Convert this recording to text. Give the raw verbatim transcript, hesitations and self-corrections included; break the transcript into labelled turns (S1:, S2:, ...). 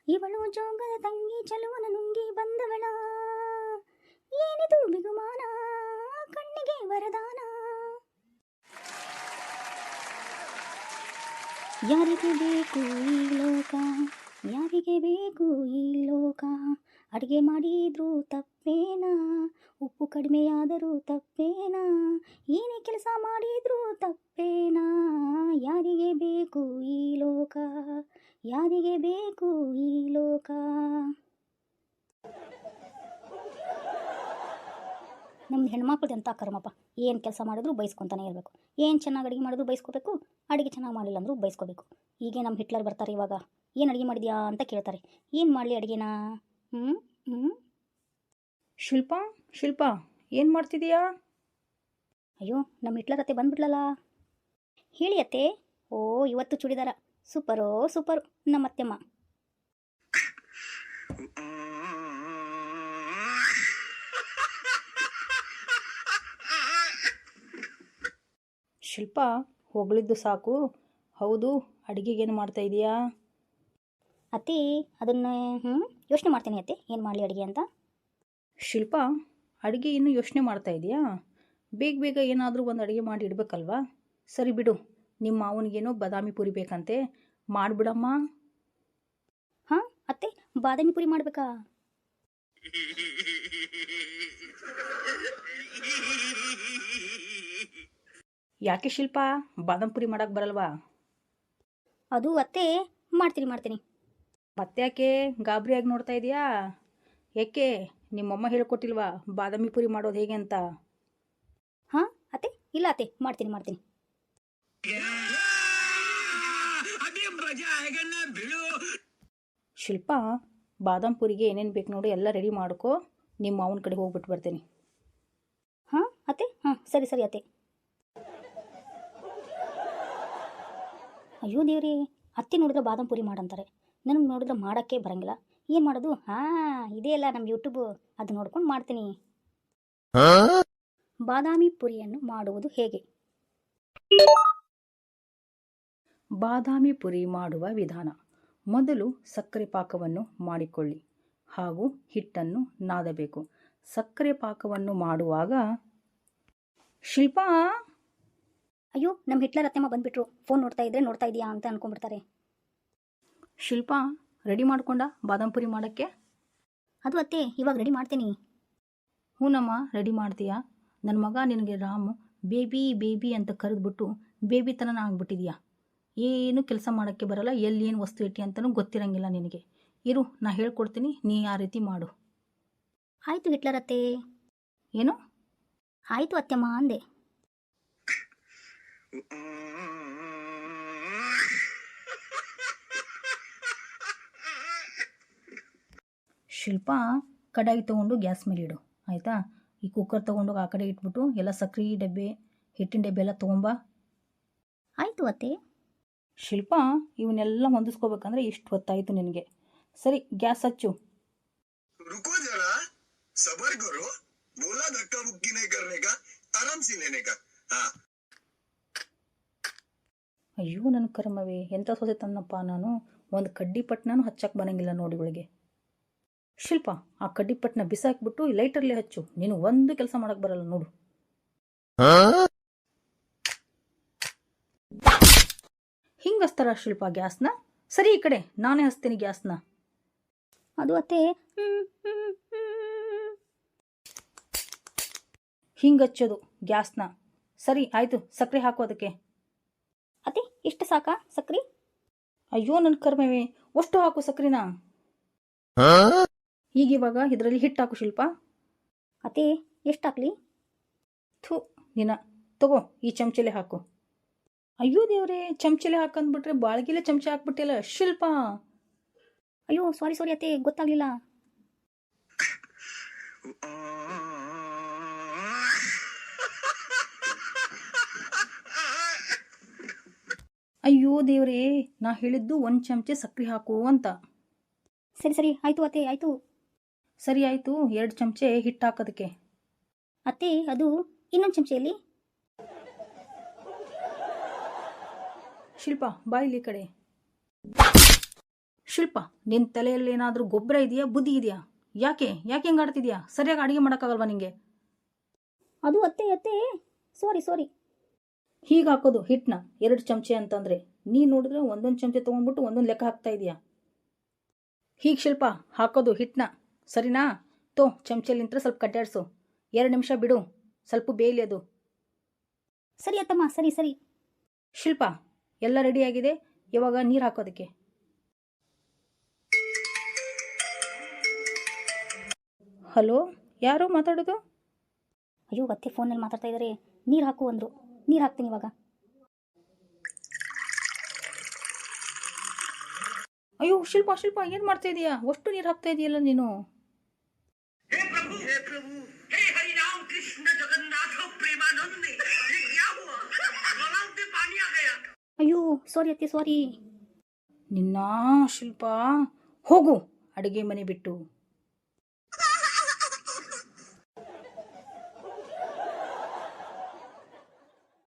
S1: ಇವಳು ಜೋಗದ ತಂಗಿ ಚಲುವನ ನುಂಗಿ ಬಂದವಳ, ಏನಿದು ಬಿಗುಮಾನ ಕಣ್ಣಿಗೆ ವರದಾನ. ಯಾರಿಗೆ ಬೇಕು ಈ ಲೋಕ, ಯಾರಿಗೆ ಬೇಕು ಈ ಲೋಕ, ಅಡುಗೆ ಮಾಡಿದ್ರೂ ತಪ್ಪೇನಾ, ಉಪ್ಪು ಕಡಿಮೆಯಾದರೂ ತಪ್ಪೇನಾ, ಏನೇ ಕೆಲಸ ಮಾಡಿದ್ರೂ ತಪ್ಪೇನಾ, ಯಾರಿಗೆ ಬೇಕು ಈ ಲೋಕ, ಯಾರಿಗೆ ಬೇಕು ಈ ಲೋಕ. ನಮ್ದು ಹೆಣ್ಮಕ್ಳದ್ದು ಎಂಥ ಕರ್ಮಪ್ಪ, ಏನು ಕೆಲಸ ಮಾಡಿದ್ರು ಬೈಸ್ಕೊತಾನೆ ಇರಬೇಕು, ಏನು ಚೆನ್ನಾಗಿ ಅಡುಗೆ ಮಾಡಿದ್ರು ಬೈಸ್ಕೋಬೇಕು, ಅಡುಗೆ ಚೆನ್ನಾಗಿ ಮಾಡಲಿಲ್ಲ ಅಂದರೂ ಬೈಸ್ಕೋಬೇಕು. ಹೀಗೆ ನಮ್ಮ ಹಿಟ್ಲರ್ ಬರ್ತಾರೆ ಇವಾಗ, ಏನು ಅಡುಗೆ ಮಾಡಿದ್ಯಾ ಅಂತ ಕೇಳ್ತಾರೆ, ಏನು ಮಾಡಲಿ ಅಡುಗೆನಾ. ಹ್ಞೂ ಹ್ಞೂ
S2: ಶಿಲ್ಪ ಶಿಲ್ಪ ಏನು ಮಾಡ್ತಿದೀಯಾ?
S1: ಅಯ್ಯೋ ನಮ್ಮ ಹಿಟ್ಲರ್ ಅತ್ತೆ ಬಂದ್ಬಿಡ್ಲಲ್ಲ. ಹೇಳಿ ಅತ್ತೆ. ಓ ಇವತ್ತು ಚೂಡಿದಾರ ಸೂಪರೋ ಸೂಪರು ನಮ್ಮ ಅತ್ತೆಮ್ಮ.
S2: ಶಿಲ್ಪ ಹೊಗಳಿದ್ದು ಸಾಕು, ಹೌದು ಅಡುಗೆಗೇನು ಮಾಡ್ತಾ ಇದೀಯಾ?
S1: ಅತ್ತೆ ಅದನ್ನು ಹ್ಞೂ ಯೋಚನೆ ಮಾಡ್ತೀನಿ ಅತ್ತೆ, ಏನು ಮಾಡಲಿ ಅಡುಗೆ ಅಂತ.
S2: ಶಿಲ್ಪ ಅಡುಗೆ ಇನ್ನೂ ಯೋಚನೆ ಮಾಡ್ತಾ ಇದೆಯಾ? ಬೇಗ ಬೇಗ ಏನಾದರೂ ಒಂದು ಅಡುಗೆ ಮಾಡಿ ಇಡಬೇಕಲ್ವಾ? ಸರಿ ಬಿಡು, ನಿಮ್ಮ ಮಾವನಿಗೇನೋ ಬಾದಾಮಿ ಪುರಿ ಬೇಕಂತೆ, ಮಾಡಿಬಿಡಮ್ಮ.
S1: ಹಾಂ ಅತ್ತೆ ಬಾದಾಮಿ ಪುರಿ ಮಾಡಬೇಕಾ?
S2: ಯಾಕೆ ಶಿಲ್ಪ, ಬಾದಾಮಿ ಪುರಿ ಮಾಡೋಕ್ಕೆ ಬರಲ್ವಾ?
S1: ಅದು ಅತ್ತೆ ಮಾಡ್ತೀನಿ ಮಾಡ್ತೀನಿ.
S2: ಮತ್ತೆ ಯಾಕೆ ಗಾಬರಿಯಾಗಿ ನೋಡ್ತಾ ಇದೆಯಾ? ಯಾಕೆ ನಿಮ್ಮಮ್ಮ ಹೇಳ್ಕೊಟ್ಟಿಲ್ವಾ ಬಾದಾಮಿ ಪುರಿ ಮಾಡೋದು ಹೇಗೆ ಅಂತ?
S1: ಹಾಂ ಅತ್ತೆ ಇಲ್ಲ ಅತ್ತೆ ಮಾಡ್ತೀನಿ ಮಾಡ್ತೀನಿ.
S2: ಶಿಲ್ಪ ಬಾದಾಮಿ ಪುರಿಗೆ ಏನೇನು ಬೇಕು ನೋಡಿ ಎಲ್ಲ ರೆಡಿ ಮಾಡ್ಕೊ, ನಿಮ್ಮ ಮಾವನ ಕಡೆ ಹೋಗ್ಬಿಟ್ಟು ಬರ್ತೀನಿ.
S1: ಹಾಂ ಅತ್ತೆ ಹಾಂ ಸರಿ ಸರಿ ಅತ್ತೆ. ಅಯ್ಯೋ ದೇವ್ರಿ, ಅತ್ತೆ ನೋಡಿದ್ರೆ ಬಾದಾಮಿ ಪುರಿ ಮಾಡಂತಾರೆ, ನನಗೆ ನೋಡಿದ್ರೆ ಮಾಡೋಕ್ಕೆ ಬರಂಗಿಲ್ಲ, ಏನು ಮಾಡೋದು? ಹಾಂ ಇದೇ ಅಲ್ಲ ನಮ್ಮ ಯೂಟ್ಯೂಬು, ಅದು ನೋಡ್ಕೊಂಡು ಮಾಡ್ತೀನಿ. ಬಾದಾಮಿ ಪುರಿಯನ್ನು ಮಾಡುವುದು ಹೇಗೆ?
S2: ಬಾದಾಮಿ ಪುರಿ ಮಾಡುವ ವಿಧಾನ: ಮೊದಲು ಸಕ್ಕರೆ ಪಾಕವನ್ನು ಮಾಡಿಕೊಳ್ಳಿ ಹಾಗೂ ಹಿಟ್ಟನ್ನು ನಾದಬೇಕು. ಸಕ್ಕರೆ ಪಾಕವನ್ನು ಮಾಡುವಾಗ ಶಿಲ್ಪ
S1: ಅಯ್ಯೋ ನಮ್ಮ ಹಿಟ್ಲರ್ ಅತ್ತೆಮ್ಮ ಬಂದುಬಿಟ್ರು, ಫೋನ್ ನೋಡ್ತಾ ಇದ್ರೆ ನೋಡ್ತಾ ಇದೆಯಾ ಅಂತ ಅಂದ್ಕೊಂಡ್ಬಿಡ್ತಾರೆ.
S2: ಶಿಲ್ಪ ರೆಡಿ ಮಾಡ್ಕೊಂಡ ಬಾದಾಮಿ ಪುರಿ ಮಾಡೋಕ್ಕೆ?
S1: ಅದು ಅತ್ತೆ ಇವಾಗ ರೆಡಿ ಮಾಡ್ತೀನಿ.
S2: ಹೂನಮ್ಮ ರೆಡಿ ಮಾಡ್ತೀಯಾ? ನನ್ನ ಮಗ ನಿನಗೆ ರಾಮು ಬೇಬಿ ಬೇಬಿ ಅಂತ ಕರೆದ್ಬಿಟ್ಟು ಬೇಬಿ ತನನ ಆಗ್ಬಿಟ್ಟಿದ್ಯಾ. ಏನು ಕೆಲಸ ಮಾಡೋಕ್ಕೆ ಬರಲ್ಲ, ಎಲ್ಲಿ ಏನು ವಸ್ತು ಇಟ್ಟಿ ಅಂತಲೂ ಗೊತ್ತಿರಂಗಿಲ್ಲ ನಿನಗೆ. ಇರು ನಾ ಹೇಳ್ಕೊಡ್ತೀನಿ, ನೀ ಆ ರೀತಿ ಮಾಡು.
S1: ಆಯಿತು ಹಿಟ್ಲರ್ ಅತ್ತೆ.
S2: ಏನು?
S1: ಆಯಿತು ಅತ್ತೆಮ್ಮ ಅಂದೆ.
S2: ಶಿಲ್ಪ ಕಡಾಯಿ ತೊಗೊಂಡು ಗ್ಯಾಸ್ ಮೇಲೆ ಇಡು, ಆಯಿತಾ? ಈ ಕುಕ್ಕರ್ ತೊಗೊಂಡೋಗಿ ಆ ಕಡೆ ಇಟ್ಬಿಟ್ಟು ಎಲ್ಲ ಸಕ್ರೆ ಡಬ್ಬೆ ಹಿಟ್ಟಿನ ಡಬ್ಬೆ ಎಲ್ಲ ತೊಗೊಂಬಾ.
S1: ಆಯಿತು ಅತ್ತೆ.
S2: ಶಿಲ್ಪ ಇವನ್ನೆಲ್ಲ ಹೊಂದಿಸ್ಕೋಬೇಕಂದ್ರೆ ಇಷ್ಟು ಹೊತ್ತಾಯಿತು ನಿನಗೆ. ಸರಿ ಗ್ಯಾಸ್ ಹಚ್ಚು.
S3: रुको जरा, सबर करो, बोला धक्का मुक्की नहीं करने का, आराम से लेने का. हाँ.
S2: ಅಯ್ಯೋ ನನ್ನ ಕರ್ಮವೇ, ಎಂಥ ಸೊಸೆ ತನ್ನಪ್ಪ ನಾನು, ಒಂದು ಕಡ್ಡಿ ಪಟ್ನಾನು ಹಚ್ಚಕ್ಕೆ ಬರೋಂಗಿಲ್ಲ ನೋಡಿ ಇವಳಿಗೆ. ಶಿಲ್ಪ ಆ ಕಡ್ಡಿ ಪಟ್ನ ಬಿಸಾಕ್ಬಿಟ್ಟು ಲೈಟರ್ಲೆ ಹಚ್ಚು, ನೀನು ಒಂದು ಕೆಲಸ ಮಾಡಕ್ಕೆ ಬರಲ್ಲ ನೋಡು. ಹಿಂಗೆ ಹಚ್ತಾರ ಶಿಲ್ಪ ಗ್ಯಾಸ್ನ? ಸರಿ ಈ ಕಡೆ ನಾನೇ ಹಚ್ತೀನಿ ಗ್ಯಾಸ್ನ.
S1: ಅದು ಅತ್ತೆ
S2: ಹಿಂಗೆ ಹಚ್ಚೋದು ಗ್ಯಾಸ್ನ. ಸರಿ ಆಯಿತು, ಸಕ್ಕರೆ ಹಾಕು ಅದಕ್ಕೆ.
S1: ಅತ್ತೆ ಇಷ್ಟು ಸಾಕಾ ಸಕ್ರೆ?
S2: ಅಯ್ಯೋ ನನ್ನ ಕರ್ಮವೇ, ಅಷ್ಟು ಹಾಕು ಸಕ್ರಿನ. ಈಗ ಇವಾಗ ಇದರಲ್ಲಿ ಹಿಟ್ಟು ಹಾಕು ಶಿಲ್ಪ.
S1: ಅತ್ತೆ ಎಷ್ಟು ಹಾಕ್ಲಿ?
S2: ಥೂ ನಿನ್ನ, ತಗೋ ಈ ಚಮಚಲೆ ಹಾಕು. ಅಯ್ಯೋ ದೇವ್ರೆ, ಚಮಚಲೆ ಹಾಕಂದ್ಬಿಟ್ರೆ ಬಾಳ್ಗಿಲೆ ಚಮಚ ಹಾಕ್ಬಿಟ್ಟಿಲ್ಲ ಶಿಲ್ಪ.
S1: ಅಯ್ಯೋ ಸಾರಿ ಸಾರಿ ಅತ್ತೆ, ಗೊತ್ತಾಗಲಿಲ್ಲ.
S2: ಅಯ್ಯೋ ದೇವ್ರೇ, ನಾ ಹೇಳಿದ್ದು ಒಂದು ಚಮಚೆ ಸಕ್ಕರೆ ಹಾಕು ಅಂತ.
S1: ಸರಿ ಸರಿ ಆಯಿತು ಅತ್ತೆ ಆಯಿತು.
S2: ಸರಿ ಆಯಿತು, ಎರಡು ಚಮಚೆ ಹಿಟ್ಟು ಹಾಕೋದಕ್ಕೆ.
S1: ಅತ್ತೆ ಅದು ಇನ್ನೊಂದು ಚಮಚೆಯಲ್ಲಿ.
S2: ಶಿಲ್ಪ ಬಾಯಿಲಿ ಕಡೆ. ಶಿಲ್ಪ, ನಿನ್ನ ತಲೆಯಲ್ಲಿ ಏನಾದರೂ ಗೊಬ್ಬರ ಇದೆಯಾ, ಬುದ್ಧಿ ಇದೆಯಾ? ಯಾಕೆ ಯಾಕೆ ಹೆಂಗೆ ಆಡ್ತಿದ್ಯಾ? ಸರಿಯಾಗಿ ಅಡುಗೆ ಮಾಡೋಕ್ಕಾಗಲ್ವಾ ನಿಂಗೆ?
S1: ಅದು ಅತ್ತೆ ಅತ್ತೆ ಸಾರಿ ಸಾರಿ.
S2: ಹೀಗೆ ಹಾಕೋದು ಹಿಟ್ಟನ್ನ ಎರಡು ಚಮಚೆ ಅಂತಂದರೆ ನೀನು ನೋಡಿದ್ರೆ ಒಂದೊಂದು ಚಮಚೆ ತೊಗೊಂಡ್ಬಿಟ್ಟು ಒಂದೊಂದು ಲೆಕ್ಕ ಹಾಕ್ತಾ ಇದೆಯಾ? ಹೀಗೆ ಶಿಲ್ಪ ಹಾಕೋದು ಹಿಟ್ಟನ್ನ, ಸರಿನಾ? ತೋ ಚಮಚೆಲಿ ನಿಂತ್ರೆ ಸ್ವಲ್ಪ ಕಡ್ಡಾಡಿಸು, ಎರಡು ನಿಮಿಷ ಬಿಡು, ಸ್ವಲ್ಪ ಬೇಯಲಿ ಅದು.
S1: ಸರಿ ಅತ್ತಮ್ಮ, ಸರಿ ಸರಿ.
S2: ಶಿಲ್ಪ, ಎಲ್ಲ ರೆಡಿಯಾಗಿದೆ, ಇವಾಗ ನೀರು ಹಾಕೋದಕ್ಕೆ. ಹಲೋ, ಯಾರು ಮಾತಾಡೋದು?
S1: ಅಯ್ಯೋ ಅತ್ತೆ ಫೋನಲ್ಲಿ ಮಾತಾಡ್ತಾ ಇದ್ದಾರೆ, ನೀರು ಹಾಕು ಅಂದರು. ನೀರು ಹಾಕ್ತೀನಿ ಇವಾಗ.
S2: ಅಯ್ಯೋ ಶಿಲ್ಪ ಶಿಲ್ಪ ಏನು ಮಾಡ್ತಾ ಇದೀಯಾ? ಅಷ್ಟು ನೀರು ಹಾಕ್ತಾ ಇದೆಯಲ್ಲ ನೀನು.
S3: हे प्रभु हे प्रभु हे हरि राम कृष्ण जगन्नाथ प्रेमानंद ये क्या हुआ गलाव में पानी आ गया.
S1: ಅಯ್ಯೋ ಸಾರಿ ಅತ್ತೆ ಸಾರಿ.
S2: ನಿನ್ನ ಶಿಲ್ಪ, ಹೋಗು ಅಡುಗೆ ಮನೆ ಬಿಟ್ಟು.